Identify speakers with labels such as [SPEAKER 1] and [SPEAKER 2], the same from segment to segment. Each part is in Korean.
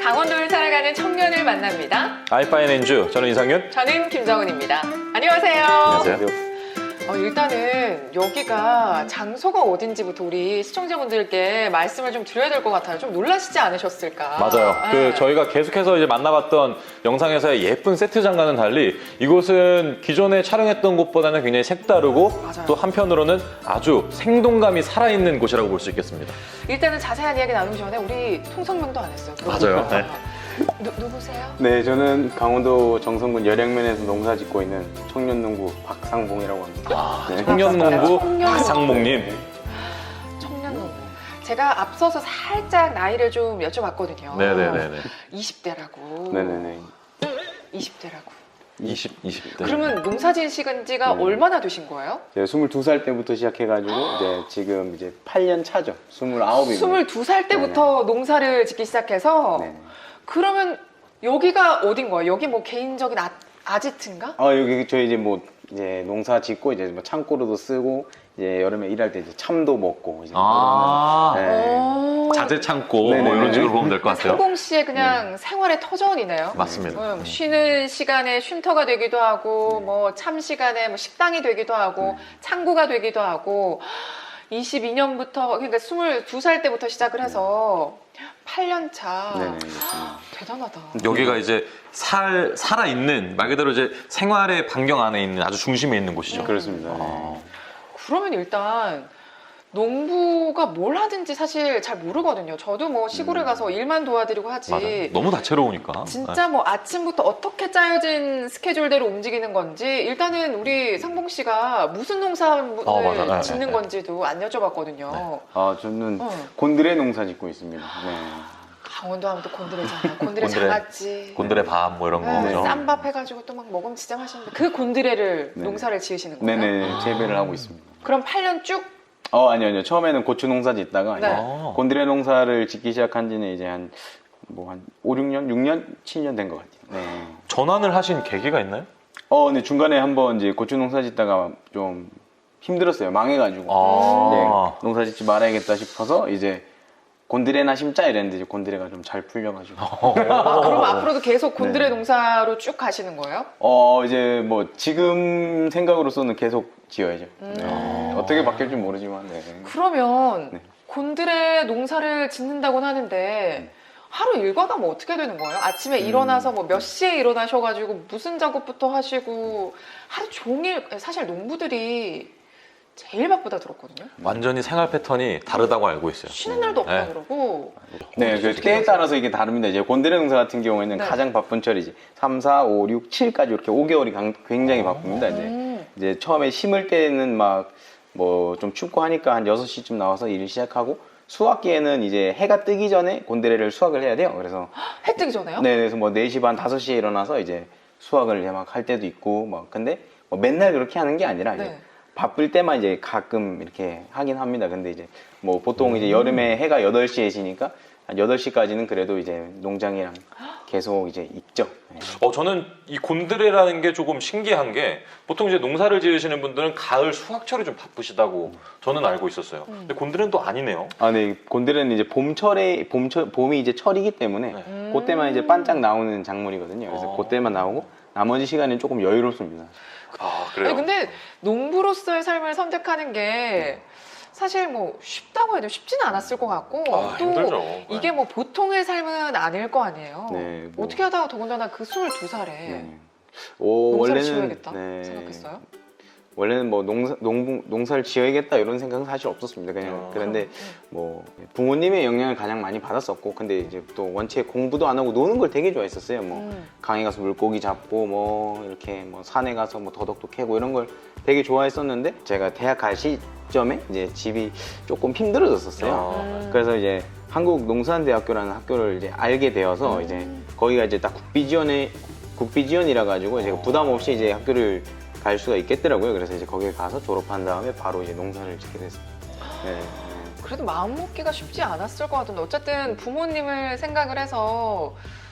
[SPEAKER 1] 강원도를 살아가는 청년을 만납니다.
[SPEAKER 2] 알파인엔주, 저는 이상윤.
[SPEAKER 1] 저는 김정은입니다. 안녕하세요.
[SPEAKER 2] 안녕하세요.
[SPEAKER 1] 일단은 여기가 장소가 어딘지부터 우리 시청자분들께 말씀을 좀 드려야 될 것 같아요. 좀 놀라시지 않으셨을까?
[SPEAKER 2] 맞아요.
[SPEAKER 1] 네.
[SPEAKER 2] 저희가 계속해서 이제 만나봤던 영상에서의 예쁜 세트장과는 달리 이곳은 기존에 촬영했던 곳보다는 굉장히 색다르고
[SPEAKER 1] 맞아요.
[SPEAKER 2] 또 한편으로는 아주 생동감이 살아있는 곳이라고 볼 수 있겠습니다.
[SPEAKER 1] 일단은 자세한 이야기 나누기 전에 우리 통성명도 안 했어요.
[SPEAKER 2] 맞아요. 네.
[SPEAKER 1] 누구세요?
[SPEAKER 3] 네, 저는 강원도 정선군 열양면에서 농사 짓고 있는 청년농부 박상봉이라고 합니다. 네.
[SPEAKER 2] 청년농부
[SPEAKER 1] 청년농부.
[SPEAKER 2] 박상목님.
[SPEAKER 1] 청년농부. 제가 앞서서 살짝 나이를 좀 여쭤봤거든요.
[SPEAKER 2] 네네네네.
[SPEAKER 1] 20대라고.
[SPEAKER 3] 네네네.
[SPEAKER 1] 20대라고.
[SPEAKER 2] 20대.
[SPEAKER 1] 그러면 농사 지으신 지가
[SPEAKER 3] 네.
[SPEAKER 1] 얼마나 되신 거예요?
[SPEAKER 3] 제가 22살 때부터 시작해가지고 이제 지금 이제 8년 차죠. 29이고.
[SPEAKER 1] 22살 때부터 농사를 짓기 시작해서
[SPEAKER 3] 네.
[SPEAKER 1] 그러면 여기가 어딘 거예요? 여기 뭐 개인적인 아지트인가?
[SPEAKER 3] 여기 저희 이제 뭐 이제 농사 짓고 이제 뭐 창고로도 쓰고 이제 여름에 일할 때 이제 참도 먹고 이제 네.
[SPEAKER 1] 오.
[SPEAKER 2] 자재 창고
[SPEAKER 3] 네네네.
[SPEAKER 2] 뭐 이런 식으로 보면 될 것 같아요.
[SPEAKER 1] 상공 씨의 그냥 생활의 터전이네요.
[SPEAKER 2] 맞습니다.
[SPEAKER 1] 쉬는 시간에 쉼터가 되기도 하고, 뭐 참 시간에 뭐 식당이 되기도 하고, 창고가 되기도 하고, 22년부터, 그러니까 22살 때부터 시작을 해서 8년 차.
[SPEAKER 3] 네네.
[SPEAKER 1] 대단하다.
[SPEAKER 2] 여기가 이제 살아있는 말 그대로 이제 생활의 반경 안에 있는 아주 중심에 있는 곳이죠.
[SPEAKER 3] 그렇습니다.
[SPEAKER 2] 아.
[SPEAKER 1] 그러면 일단 농부가 뭘 하든지 사실 잘 모르거든요. 저도 뭐 시골에 가서 일만 도와드리고 하지.
[SPEAKER 2] 맞아요. 너무 다채로우니까.
[SPEAKER 1] 진짜 뭐 아침부터 어떻게 짜여진 스케줄대로 움직이는 건지 일단은 우리 상봉 씨가 무슨 농사를
[SPEAKER 2] 맞아. 네,
[SPEAKER 1] 짓는
[SPEAKER 2] 네.
[SPEAKER 1] 건지도 안 여쭤봤거든요.
[SPEAKER 2] 네.
[SPEAKER 3] 저는
[SPEAKER 1] 어.
[SPEAKER 3] 곤드레 농사 짓고 있습니다. 네.
[SPEAKER 1] 강원도 하면 또 곤드레잖아요. 곤드레
[SPEAKER 2] 곤드레.
[SPEAKER 1] 장아찌.
[SPEAKER 2] 곤드레 밥 뭐 이런
[SPEAKER 1] 네,
[SPEAKER 2] 거죠.
[SPEAKER 1] 쌈밥 해가지고 또 막 먹음지장하시는데 그 곤드레를
[SPEAKER 3] 네.
[SPEAKER 1] 농사를 지으시는 거예요?
[SPEAKER 3] 네네. 재배를 하고 있습니다.
[SPEAKER 1] 그럼 8년 쭉?
[SPEAKER 3] 아니요. 처음에는 고추 농사 짓다가
[SPEAKER 1] 네.
[SPEAKER 3] 이제
[SPEAKER 2] 아.
[SPEAKER 3] 곤드레 농사를 짓기 시작한 지는 이제 한 5, 6년? 6년? 7년 된 것 같아요. 네.
[SPEAKER 2] 전환을 하신 계기가 있나요?
[SPEAKER 3] 근데 중간에 한번 이제 고추 농사 짓다가 좀 힘들었어요. 망해가지고.
[SPEAKER 2] 아.
[SPEAKER 3] 네, 농사 짓지 말아야겠다 싶어서 이제 곤드레나 심자 이랬는데 이제 곤드레가 좀 잘 풀려가지고.
[SPEAKER 1] 그럼 앞으로도 계속 곤드레
[SPEAKER 3] 네.
[SPEAKER 1] 농사로 쭉 가시는 거예요?
[SPEAKER 3] 이제 뭐 지금 생각으로서는 계속 지어야죠.
[SPEAKER 1] 음.
[SPEAKER 3] 네. 어떻게 바뀔지 모르지만. 네.
[SPEAKER 1] 그러면
[SPEAKER 3] 네.
[SPEAKER 1] 곤드레 농사를 짓는다고는 하는데 하루 일과가 뭐 어떻게 되는 거예요? 아침에 일어나서 뭐 몇 시에 일어나셔가지고 무슨 작업부터 하시고 하루 종일 사실 농부들이 제일 바쁘다 들었거든요.
[SPEAKER 2] 완전히 생활 패턴이 다르다고 알고 있어요.
[SPEAKER 1] 쉬는 날도 없다
[SPEAKER 2] 네.
[SPEAKER 1] 그러고
[SPEAKER 3] 네, 그 때에 따라서 이게 다릅니다. 이제 곤드레 농사 같은 경우에는
[SPEAKER 1] 네.
[SPEAKER 3] 가장 바쁜 철이지 3, 4, 5, 6, 7까지 이렇게 5개월이 굉장히 바쁩니다. 이제 처음에 심을 때는 막 뭐 좀 춥고 하니까 한 6시쯤 나와서 일을 시작하고 수확기에는 이제 해가 뜨기 전에 곤드레를 수확을 해야 돼요. 그래서
[SPEAKER 1] 해 뜨기 전에요?
[SPEAKER 3] 네, 그래서 뭐 4시 반, 5시에 일어나서 이제 수확을 막 할 때도 있고 막 근데 뭐 맨날 그렇게 하는 게 아니라 이제
[SPEAKER 1] 네.
[SPEAKER 3] 바쁠 때만 이제 가끔 이렇게 하긴 합니다. 근데 이제 뭐 보통 이제 여름에 해가 8시에 지니까 한 8시까지는 그래도 이제 농장이랑 계속 이제 있죠. 네.
[SPEAKER 2] 저는 이 곤드레라는 게 조금 신기한 게 보통 이제 농사를 지으시는 분들은 가을 수확철이 좀 바쁘시다고 저는 알고 있었어요. 근데 곤드레는 또 아니네요.
[SPEAKER 3] 네, 곤드레는 이제 봄이 이제 철이기 때문에
[SPEAKER 2] 네.
[SPEAKER 3] 그때만 이제 반짝 나오는 작물이거든요. 그래서 그때만 나오고 나머지 시간은 조금 여유롭습니다.
[SPEAKER 2] 그래요?
[SPEAKER 1] 아니, 근데 농부로서의 삶을 선택하는 게 사실 뭐 쉽다고 해도 쉽지는 않았을 것 같고 또
[SPEAKER 2] 힘들죠.
[SPEAKER 1] 이게 뭐 보통의 삶은 아닐 거 아니에요.
[SPEAKER 3] 네, 뭐.
[SPEAKER 1] 어떻게 하다가 더군다나 그 22살에
[SPEAKER 3] 네.
[SPEAKER 1] 농사를 지어야겠다
[SPEAKER 3] 네.
[SPEAKER 1] 생각했어요?
[SPEAKER 3] 원래는 뭐 농사를 지어야겠다 이런 생각은 사실 없었습니다. 그냥 그런데 뭐 부모님의 영향을 가장 많이 받았었고, 근데 이제 또 원체 공부도 안 하고 노는 걸 되게 좋아했었어요. 뭐 강에 가서 물고기 잡고 뭐 이렇게 뭐 산에 가서 뭐 더덕도 캐고 이런 걸 되게 좋아했었는데 제가 대학 갈 시점에 이제 집이 조금 힘들어졌었어요. 그래서 이제 한국농산대학교라는 학교를 이제 알게 되어서 이제 거기가 이제 딱 국비지원이라 가지고 제가 부담 없이 이제 학교를 갈 수가 있겠더라고요. 그래서 이제 거기에 가서 졸업한 다음에 바로 이제 농사를 짓게 됐습니다. 네.
[SPEAKER 1] 그래도 마음 먹기가 쉽지 않았을 것 같은데 어쨌든 부모님을 생각을 해서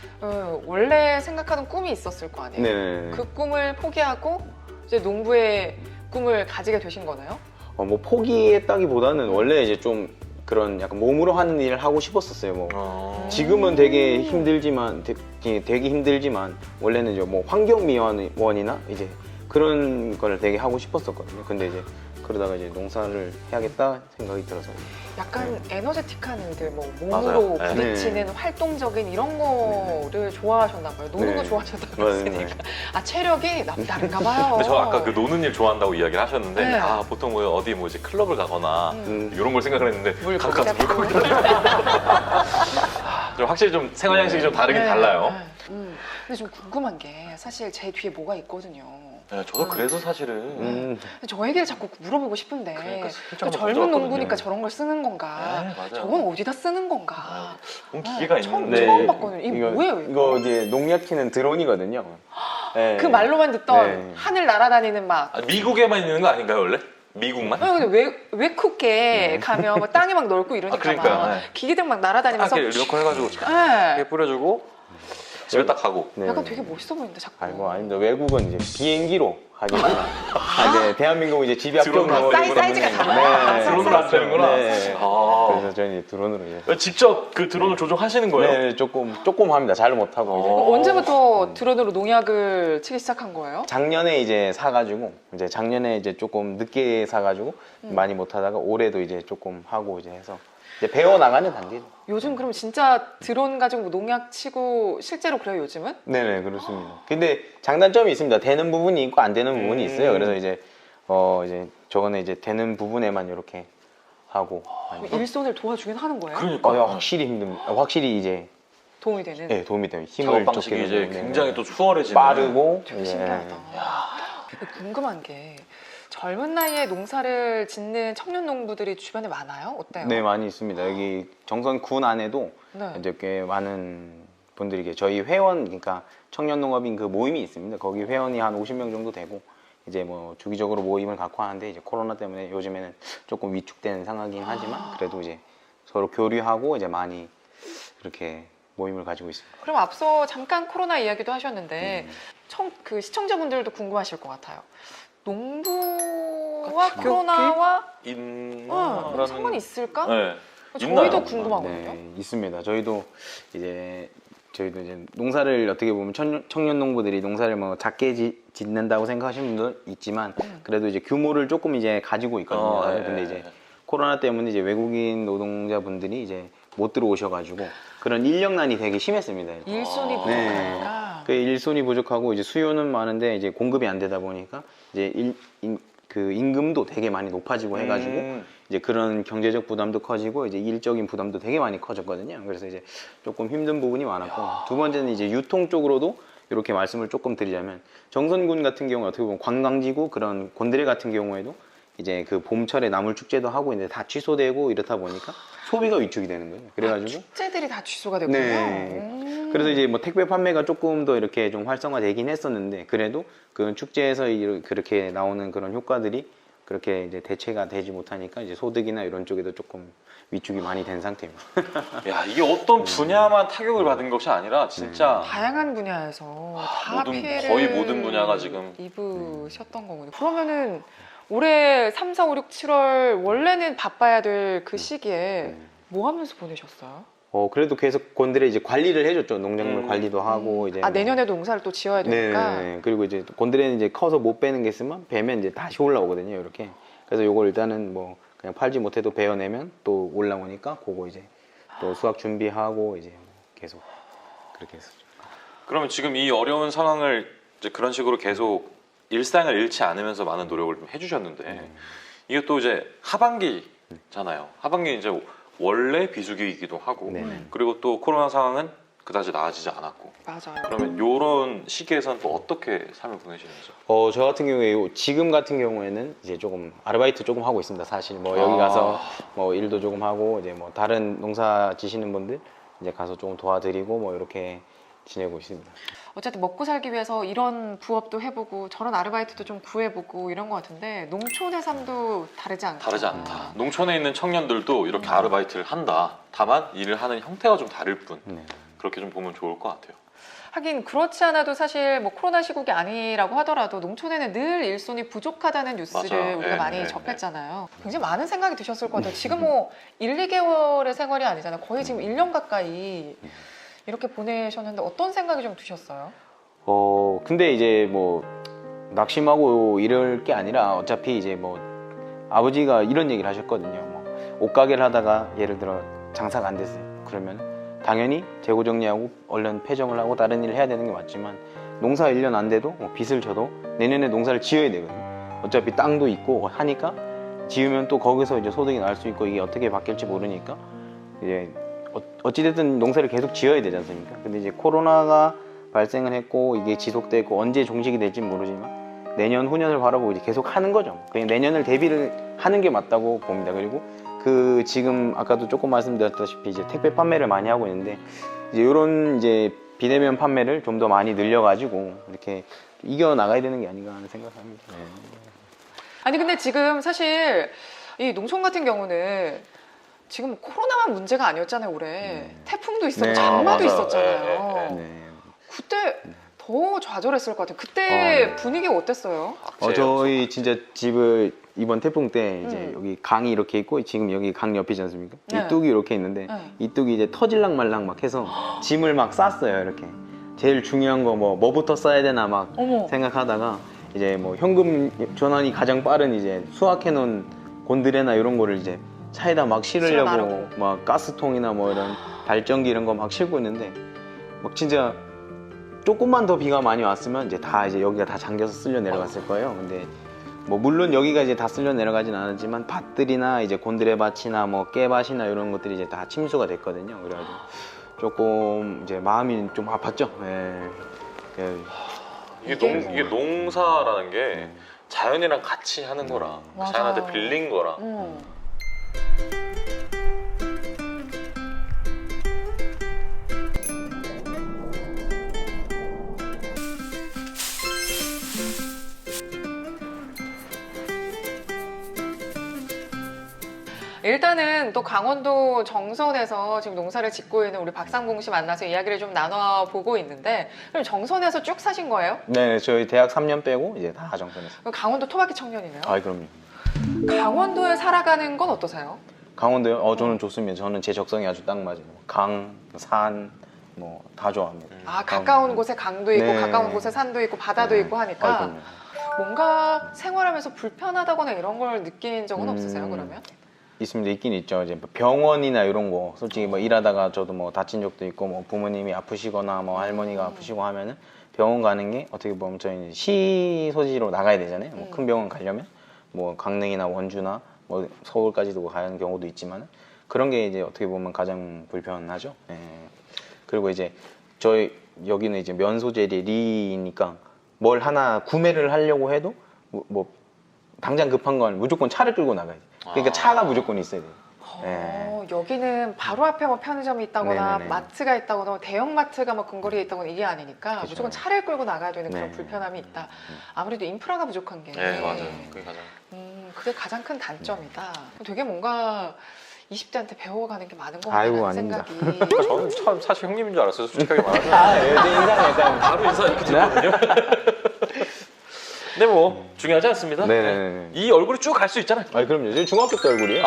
[SPEAKER 1] 원래 생각하는 꿈이 있었을 거 아니에요?
[SPEAKER 3] 네.
[SPEAKER 1] 그 꿈을 포기하고 이제 농부의 꿈을 가지게 되신 거나요?
[SPEAKER 3] 뭐 포기했다기보다는 원래 이제 좀 그런 약간 몸으로 하는 일을 하고 싶었었어요. 뭐 지금은 되게 힘들지만 되게 힘들지만 원래는 이제 뭐 환경미화원이나 이제 그런 걸 되게 하고 싶었었거든요. 근데 이제 그러다가 이제 농사를 해야겠다 생각이 들어서
[SPEAKER 1] 약간 에너제틱한 일들, 뭐
[SPEAKER 2] 맞아요.
[SPEAKER 1] 몸으로
[SPEAKER 2] 네.
[SPEAKER 1] 부딪히는 활동적인 이런 거를 좋아하셨나 봐요. 노는 거
[SPEAKER 3] 네.
[SPEAKER 1] 좋아하셨다고
[SPEAKER 3] 맞아요.
[SPEAKER 1] 했으니까. 아, 체력이 남다른가 봐요.
[SPEAKER 2] 근데 저 아까 그 노는 일 좋아한다고 이야기를 하셨는데
[SPEAKER 1] 네.
[SPEAKER 2] 아 보통 뭐 어디 뭐 이제 클럽을 가거나 이런 걸 생각을 했는데
[SPEAKER 1] 물고기
[SPEAKER 2] 가서
[SPEAKER 1] 잡고.
[SPEAKER 2] 물고기 좀 확실히 좀 생활 양식이 좀 다르긴
[SPEAKER 1] 네,
[SPEAKER 2] 달라요.
[SPEAKER 1] 네. 근데 좀 궁금한 게 사실 제 뒤에 뭐가 있거든요.
[SPEAKER 2] 네, 저도 그래서 사실은
[SPEAKER 3] 음,
[SPEAKER 1] 저 얘기를 자꾸 물어보고 싶은데
[SPEAKER 2] 그러니까 슬쩍
[SPEAKER 1] 또
[SPEAKER 2] 한번
[SPEAKER 1] 젊은
[SPEAKER 2] 던져봤거든요.
[SPEAKER 1] 농부니까 저런 걸 쓰는 건가?
[SPEAKER 2] 네, 맞아요.
[SPEAKER 1] 저건 어디다 쓰는 건가?
[SPEAKER 2] 본 기계가
[SPEAKER 1] 처음
[SPEAKER 2] 있는데
[SPEAKER 1] 처음 봤거든요. 이거 뭐예요?
[SPEAKER 3] 이거 이제 농약 키는 드론이거든요. 네.
[SPEAKER 1] 그 말로만 듣던
[SPEAKER 3] 네.
[SPEAKER 1] 하늘 날아다니는 막
[SPEAKER 2] 아, 미국에만 있는 거 아닌가요 원래? 미국만?
[SPEAKER 1] 근데 왜 쿡에 가면 뭐 땅에 막 넓고 이러니까
[SPEAKER 2] 아, 그러니까요.
[SPEAKER 1] 막
[SPEAKER 2] 네.
[SPEAKER 1] 기계들 막 날아다니면서
[SPEAKER 2] 이렇게 해가지고
[SPEAKER 1] 네.
[SPEAKER 2] 이렇게 뿌려주고 집에 딱 가고.
[SPEAKER 3] 네.
[SPEAKER 1] 약간 되게 멋있어 보이는데 자꾸.
[SPEAKER 3] 아이고 아닙니다. 외국은 이제 비행기로 하겠구나. 이제 대한민국 이제 집이
[SPEAKER 2] 드론
[SPEAKER 3] 합격
[SPEAKER 1] 사이즈가 달라요.
[SPEAKER 2] 드론으로 안 되는구나.
[SPEAKER 3] 네.
[SPEAKER 2] 아.
[SPEAKER 3] 그래서 저는 이제 드론으로 이제
[SPEAKER 2] 직접 그 드론을 조종하시는 거예요?
[SPEAKER 3] 네, 조금 합니다. 잘 못하고 이제.
[SPEAKER 1] 언제부터 드론으로 농약을 치기 시작한 거예요?
[SPEAKER 3] 작년에 이제 사가지고 이제 작년에 이제 조금 늦게 사가지고 많이 못하다가 올해도 이제 조금 하고 이제 해서 이제 배워 나가는 단계죠.
[SPEAKER 1] 요즘 그럼 진짜 드론 가지고 뭐 농약 치고 실제로 그래요 요즘은?
[SPEAKER 3] 네네 그렇습니다. 근데 장단점이 있습니다. 되는 부분이 있고 안 되는 부분이 있어요. 그래서 이제 이제 저거는 이제 되는 부분에만 이렇게 하고
[SPEAKER 1] 일손을 도와주긴 하는 거예요?
[SPEAKER 2] 그러니까
[SPEAKER 3] 확실히 힘듭니다. 확실히 이제
[SPEAKER 1] 도움이 되는?
[SPEAKER 3] 네, 도움이 돼요. 힘을
[SPEAKER 2] 작업 방식이
[SPEAKER 3] 쫓기는
[SPEAKER 2] 이제
[SPEAKER 3] 부분에.
[SPEAKER 2] 굉장히 또 수월해지는
[SPEAKER 3] 빠르고
[SPEAKER 1] 되게
[SPEAKER 3] 이제
[SPEAKER 1] 신기하다. 궁금한 게 젊은 나이에 농사를 짓는 청년 농부들이 주변에 많아요? 어때요?
[SPEAKER 3] 네 많이 있습니다. 여기 정선군 안에도
[SPEAKER 1] 네.
[SPEAKER 3] 이제 꽤 많은 분들이 저희 회원 그러니까 청년농업인 그 모임이 있습니다. 거기 회원이 한 50명 정도 되고 이제 뭐 주기적으로 모임을 갖고 하는데 이제 코로나 때문에 요즘에는 조금 위축된 상황이긴 하지만 그래도 이제 서로 교류하고 이제 많이 그렇게 모임을 가지고 있습니다.
[SPEAKER 1] 그럼 앞서 잠깐 코로나 이야기도 하셨는데 그 시청자분들도 궁금하실 것 같아요. 농부와 코로나와 상관이 있을까?
[SPEAKER 2] 네.
[SPEAKER 1] 저희도
[SPEAKER 2] 있나요?
[SPEAKER 1] 궁금하거든요.
[SPEAKER 3] 네, 있습니다. 저희도 이제 농사를 어떻게 보면 청년 농부들이 농사를 뭐 작게 짓는다고 생각하시는 분도 있지만 그래도 이제 규모를 조금 이제 가지고 있거든요. 근데 이제 코로나 때문에 이제 외국인 노동자분들이 이제 못 들어오셔가지고 그런 인력난이 되게 심했습니다.
[SPEAKER 1] 일손이 부족하니까.
[SPEAKER 3] 그 일손이 부족하고 이제 수요는 많은데 이제 공급이 안 되다 보니까 이제 그 임금도 되게 많이 높아지고 해가지고 이제 그런 경제적 부담도 커지고 이제 일적인 부담도 되게 많이 커졌거든요. 그래서 이제 조금 힘든 부분이 많았고 두 번째는 이제 유통 쪽으로도 이렇게 말씀을 조금 드리자면 정선군 같은 경우 어떻게 보면 관광지고 그런 곤드레 같은 경우에도 이제 그 봄철에 나물 축제도 하고 이제 다 취소되고 이렇다 보니까 소비가 위축이 되는 거예요. 그래가지고
[SPEAKER 1] 축제들이 다 취소가 됐군요.
[SPEAKER 3] 네. 그래서 이제 뭐 택배 판매가 조금 더 이렇게 좀 활성화되긴 했었는데 그래도 그 축제에서 그렇게 나오는 그런 효과들이 그렇게 이제 대체가 되지 못하니까 이제 소득이나 이런 쪽에도 조금 위축이 많이 된 상태입니다.
[SPEAKER 2] 야 이게 어떤 분야만 타격을 받은 것이 아니라 진짜
[SPEAKER 1] 다양한 분야에서 다 피해를
[SPEAKER 2] 거의 모든 분야가 지금
[SPEAKER 1] 입으셨던 거군요. 그러면은 올해 3, 4, 5, 6, 7월 원래는 바빠야 될 그 시기에 뭐 하면서 보내셨어요?
[SPEAKER 3] 그래도 계속 곤드레 이제 관리를 해줬죠. 농작물 관리도 하고 이제
[SPEAKER 1] 내년에도 농사를 또 지어야 되니까.
[SPEAKER 3] 네. 그리고 이제 곤드레는 이제 커서 못 빼는 게 있으면 베면 이제 다시 올라오거든요. 이렇게. 그래서 요걸 일단은 뭐 그냥 팔지 못해도 베어내면 또 올라오니까 그거 이제 또 수확 준비하고 이제 계속 그렇게 했었죠.
[SPEAKER 2] 그러면 지금 이 어려운 상황을 이제 그런 식으로 계속 일상을 잃지 않으면서 많은 노력을 좀 해주셨는데 이게 또 이제 하반기잖아요. 하반기 이제 원래 비수기이기도 하고 그리고 또 코로나 상황은 그다지 나아지지 않았고
[SPEAKER 1] 맞아요.
[SPEAKER 2] 그러면 이런 시기에서는 또 어떻게 삶을 보내시는지?
[SPEAKER 3] 저 같은 경우에 지금 같은 경우에는 이제 조금 아르바이트 조금 하고 있습니다. 사실 뭐 여기 가서 뭐 일도 조금 하고 이제 뭐 다른 농사 지시는 분들 이제 가서 조금 도와드리고 뭐 이렇게 지내고 있습니다.
[SPEAKER 1] 어쨌든 먹고 살기 위해서 이런 부업도 해보고 저런 아르바이트도 좀 구해보고 이런 것 같은데 농촌의 삶도 다르지 않다.
[SPEAKER 2] 다르지 않다. 농촌에 있는 청년들도 이렇게 아르바이트를 한다. 다만 일을 하는 형태가 좀 다를 뿐. 그렇게 좀 보면 좋을 것 같아요.
[SPEAKER 1] 하긴 그렇지 않아도 사실 뭐 코로나 시국이 아니라고 하더라도 농촌에는 늘 일손이 부족하다는 뉴스를
[SPEAKER 2] 맞아.
[SPEAKER 1] 우리가
[SPEAKER 2] 네,
[SPEAKER 1] 많이
[SPEAKER 2] 네,
[SPEAKER 1] 접했잖아요. 굉장히 많은 생각이 드셨을 것 같아요. 지금 뭐 1, 2개월의 생활이 아니잖아요. 거의 지금 1년 가까이 이렇게 보내셨는데 어떤 생각이 좀 드셨어요?
[SPEAKER 3] 근데 이제 뭐 낙심하고 이럴 게 아니라 어차피 이제 뭐 아버지가 이런 얘기를 하셨거든요. 뭐 옷가게를 하다가 예를 들어 장사가 안 됐어요. 그러면 당연히 재고 정리하고 얼른 폐정을 하고 다른 일을 해야 되는 게 맞지만 농사 1년 안 돼도 뭐 빚을 져도 내년에 농사를 지어야 되거든요. 어차피 땅도 있고 하니까 지으면 또 거기서 이제 소득이 날 수 있고 이게 어떻게 바뀔지 모르니까 이제 어찌됐든 농사를 계속 지어야 되지 않습니까? 근데 이제 코로나가 발생을 했고 이게 지속되고 언제 종식이 될지 모르지만 내년 후년을 바라보고 이제 계속 하는 거죠. 그냥 내년을 대비를 하는 게 맞다고 봅니다. 그리고 그 지금 아까도 조금 말씀드렸다시피 이제 택배 판매를 많이 하고 있는데 이제 이런 이제 비대면 판매를 좀 더 많이 늘려가지고 이렇게 이겨 나가야 되는 게 아닌가 하는 생각합니다. 네.
[SPEAKER 1] 아니 근데 지금 사실 이 농촌 같은 경우는 지금 코로나만 문제가 아니었잖아요. 올해 태풍도 있었고
[SPEAKER 3] 네.
[SPEAKER 1] 장마도
[SPEAKER 2] 맞아요.
[SPEAKER 1] 있었잖아요.
[SPEAKER 2] 네,
[SPEAKER 3] 네.
[SPEAKER 1] 그때 더 좌절했을 것 같아요. 그때
[SPEAKER 3] 네.
[SPEAKER 1] 분위기 어땠어요?
[SPEAKER 3] 저희 진짜 집을 이번 태풍 때 이제 여기 강이 이렇게 있고 지금 여기 강 옆이지 않습니까?
[SPEAKER 1] 네.
[SPEAKER 3] 이 뚝이 이렇게 있는데
[SPEAKER 1] 네.
[SPEAKER 3] 이 뚝이 이제 터질랑 말랑 막 해서 짐을 막 쌌어요. 이렇게 제일 중요한 거 뭐부터 싸야 되나 막
[SPEAKER 1] 어머.
[SPEAKER 3] 생각하다가 이제 뭐 현금 전환이 가장 빠른 이제 수확해 놓은 곤드레나 이런 거를 이제 차에다 막 실으려고
[SPEAKER 1] 실어나르고.
[SPEAKER 3] 막 가스통이나 뭐 이런 발전기 이런 거 막 싣고 있는데 막 진짜 조금만 더 비가 많이 왔으면 이제 다 이제 여기가 다 잠겨서 쓸려 내려갔을 거예요. 근데 뭐 물론 여기가 이제 다 쓸려 내려가진 않았지만 밭들이나 이제 곤드레밭이나 뭐 깨밭이나 이런 것들이 이제 다 침수가 됐거든요. 그래가지고 조금 이제 마음이 좀 아팠죠. 예.
[SPEAKER 2] 이게 농사라는 게 자연이랑 같이 하는 거라
[SPEAKER 1] 맞아요.
[SPEAKER 2] 자연한테 빌린 거라
[SPEAKER 1] 일단은 또 강원도 정선에서 지금 농사를 짓고 있는 우리 박상봉 씨 만나서 이야기를 좀 나눠보고 있는데 그럼 정선에서 쭉 사신 거예요?
[SPEAKER 3] 네, 저희 대학 3년 빼고 이제 다 정선했어요.
[SPEAKER 1] 그럼 강원도 토박이 청년이네요?
[SPEAKER 3] 아, 그럼요.
[SPEAKER 1] 강원도에 살아가는 건 어떠세요?
[SPEAKER 3] 강원도요? 저는 좋습니다. 저는 제 적성이 아주 딱 맞아요. 강, 산, 뭐 다 좋아합니다.
[SPEAKER 1] 아 가까운 곳에 강도 있고
[SPEAKER 3] 네.
[SPEAKER 1] 가까운 곳에 산도 있고 바다도 있고 하니까
[SPEAKER 3] 아, 그럼요.
[SPEAKER 1] 뭔가 생활하면서 불편하다거나 이런 걸 느낀 적은 없으세요 그러면?
[SPEAKER 3] 있습니다. 있긴 있죠. 이제 뭐 병원이나 이런 거 솔직히 뭐 일하다가 저도 뭐 다친 적도 있고 뭐 부모님이 아프시거나 뭐 할머니가 아프시고 하면은 병원 가는 게 어떻게 보면 저희 시 소지로 나가야 되잖아요. 뭐 큰 병원 가려면 뭐 강릉이나 원주나 뭐 서울까지도 가는 경우도 있지만 그런 게 이제 어떻게 보면 가장 불편하죠. 예. 그리고 이제 저희 여기는 이제 면소재리 리니까 뭘 하나 구매를 하려고 해도 뭐 당장 급한 건 무조건 차를 끌고 나가야 돼. 그러니까 차가 무조건 있어야 돼요.
[SPEAKER 1] 여기는 바로 앞에 뭐 편의점이 있다거나
[SPEAKER 3] 네네네.
[SPEAKER 1] 마트가 있다거나 뭐 대형마트가 뭐 근거리에 있다거나 이게 아니니까
[SPEAKER 3] 그쵸.
[SPEAKER 1] 무조건 차를 끌고 나가야 되는 그런
[SPEAKER 3] 네.
[SPEAKER 1] 불편함이 있다. 아무래도 인프라가 부족한 게
[SPEAKER 2] 네 맞아요 그게 가장
[SPEAKER 1] 그게 가장 큰 단점이다. 되게 뭔가 20대한테 배워가는 게 많은 것
[SPEAKER 3] 아이고,
[SPEAKER 1] 같다는
[SPEAKER 3] 아닙니다.
[SPEAKER 1] 생각이
[SPEAKER 2] 저는 참 사실 형님인 줄 알았어요 솔직하게 말하면
[SPEAKER 3] 아, 네, 인상 약간.
[SPEAKER 2] 바로 인사 이렇게 드렸거든요 근데 뭐 중요하지 않습니다
[SPEAKER 3] 네네네.
[SPEAKER 2] 이 얼굴이 쭉 갈 수 있잖아요
[SPEAKER 3] 아, 그럼요. 제 중학교 때 얼굴이에요.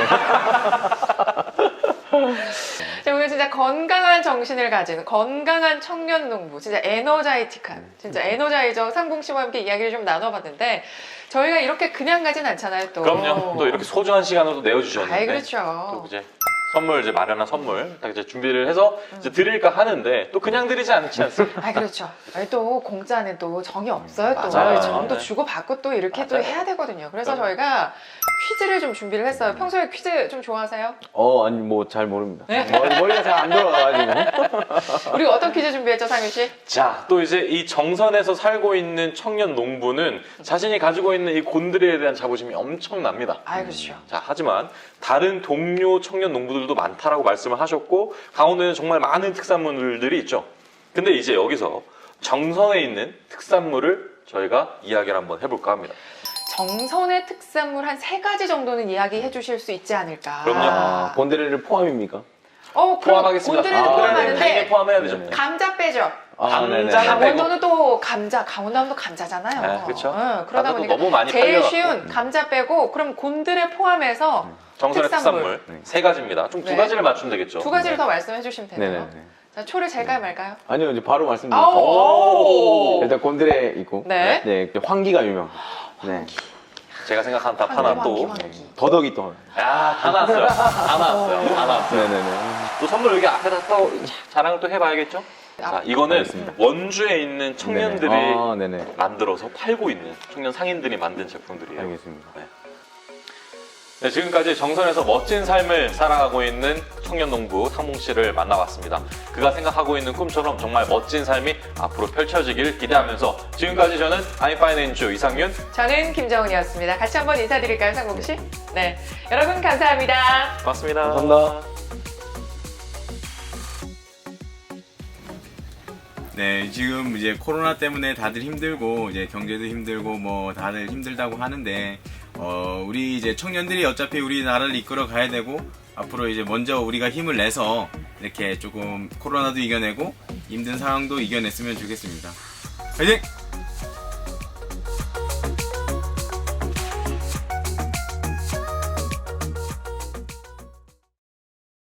[SPEAKER 1] 자, 오늘 진짜 건강한 정신을 가진 건강한 청년 농부, 진짜 에너자이틱한, 진짜 에너자이저 상봉 씨와 함께 이야기를 좀 나눠봤는데 저희가 이렇게 그냥 가진 않잖아요, 또.
[SPEAKER 2] 그럼요 또 이렇게 소중한 시간을 또 내어주셨는데
[SPEAKER 1] 아이, 그렇죠.
[SPEAKER 2] 또 이제 선물 이제 마련한 선물 딱 이제 준비를 해서 이제 드릴까 하는데 또 그냥 드리지 않지 않습니까?
[SPEAKER 1] 아, 그렇죠. 아니, 또 공짜는 또 정이 없어요, 또.
[SPEAKER 2] 맞아요.
[SPEAKER 1] 정도
[SPEAKER 2] 네.
[SPEAKER 1] 주고 받고 또 이렇게 또
[SPEAKER 2] 맞아요.
[SPEAKER 1] 해야 되거든요. 그래서
[SPEAKER 2] 그럼요.
[SPEAKER 1] 저희가 퀴즈를 좀 준비를 했어요. 평소에 퀴즈 좀 좋아하세요?
[SPEAKER 3] 아니, 뭐, 잘 모릅니다.
[SPEAKER 1] 네.
[SPEAKER 3] 머리가 잘 안 돌아가가지고.
[SPEAKER 1] 우리 어떤 퀴즈 준비했죠, 상윤 씨?
[SPEAKER 2] 자, 또 이제 이 정선에서 살고 있는 청년 농부는 자신이 가지고 있는 이 곤드레에 대한 자부심이 엄청납니다.
[SPEAKER 1] 아, 그렇죠.
[SPEAKER 2] 자, 하지만 다른 동료 청년 농부들도 많다라고 말씀을 하셨고 강원도에는 정말 많은 특산물들이 있죠. 근데 이제 여기서 정선에 있는 특산물을 저희가 이야기를 한번 해볼까 합니다.
[SPEAKER 1] 정선의 특산물 한 3가지 정도는 이야기해 주실 수 있지 않을까.
[SPEAKER 2] 그럼요.
[SPEAKER 3] 곤드레를 포함입니까?
[SPEAKER 1] 그럼
[SPEAKER 2] 포함하겠습니다.
[SPEAKER 1] 곤드레도 포함하는데
[SPEAKER 2] 당연히 포함해야 되죠.
[SPEAKER 3] 네.
[SPEAKER 1] 감자 빼죠.
[SPEAKER 2] 감자는
[SPEAKER 1] 강원도는 또 강원도는 감자잖아요.
[SPEAKER 2] 네, 그쵸.
[SPEAKER 1] 그러다
[SPEAKER 2] 나도
[SPEAKER 1] 보니까
[SPEAKER 2] 너무 많이
[SPEAKER 1] 제일
[SPEAKER 2] 팔려갖고.
[SPEAKER 1] 쉬운 감자 빼고 그럼 곤드레 포함해서
[SPEAKER 2] 정선의
[SPEAKER 1] 특산물.
[SPEAKER 2] 특산물 세 가지입니다. 좀 두
[SPEAKER 1] 네.
[SPEAKER 2] 가지를 맞추면 되겠죠.
[SPEAKER 1] 두 가지를 더 말씀해 주시면 되네요.
[SPEAKER 3] 네네네.
[SPEAKER 1] 자, 초를 젤까요 말까요?
[SPEAKER 3] 아니요, 이제 바로
[SPEAKER 1] 아우,
[SPEAKER 3] 말씀드릴게요.
[SPEAKER 1] 오.
[SPEAKER 3] 일단 곤드레 있고,
[SPEAKER 1] 네.
[SPEAKER 3] 네, 황기가 유명. 네,
[SPEAKER 2] 제가 생각한 답 하나 또.
[SPEAKER 1] 황기.
[SPEAKER 3] 더덕이 또.
[SPEAKER 2] 야, 다 나왔어요. 다 나왔어요. 다 나왔어요.
[SPEAKER 3] 네네네.
[SPEAKER 2] 또 선물 여기 앞에다 또 자랑을 또 해봐야겠죠? 자, 이거는
[SPEAKER 3] 알겠습니다.
[SPEAKER 2] 원주에 있는 청년들이
[SPEAKER 3] 네네. 아, 네네.
[SPEAKER 2] 만들어서 팔고 있는 청년 상인들이 만든 제품들이에요.
[SPEAKER 3] 알겠습니다.
[SPEAKER 2] 네, 지금까지 정선에서 멋진 삶을 살아가고 있는 청년 농부 탕몽 씨를 만나봤습니다. 그가 생각하고 있는 꿈처럼 정말 멋진 삶이 앞으로 펼쳐지길 기대하면서 지금까지 저는 아이파이낸주 이상윤.
[SPEAKER 1] 저는 김정은이었습니다. 같이 한번 인사드릴까요, 상봉 씨? 네. 여러분 감사합니다.
[SPEAKER 2] 고맙습니다.
[SPEAKER 3] 감사합니다.
[SPEAKER 4] 네, 지금 이제 코로나 때문에 다들 힘들고 이제 경제도 힘들고 뭐 다들 힘들다고 하는데 우리 이제 청년들이 어차피 우리나라를 이끌어 가야 되고 앞으로 이제 먼저 우리가 힘을 내서 이렇게 조금 코로나도 이겨내고 힘든 상황도 이겨냈으면 좋겠습니다. 화이팅!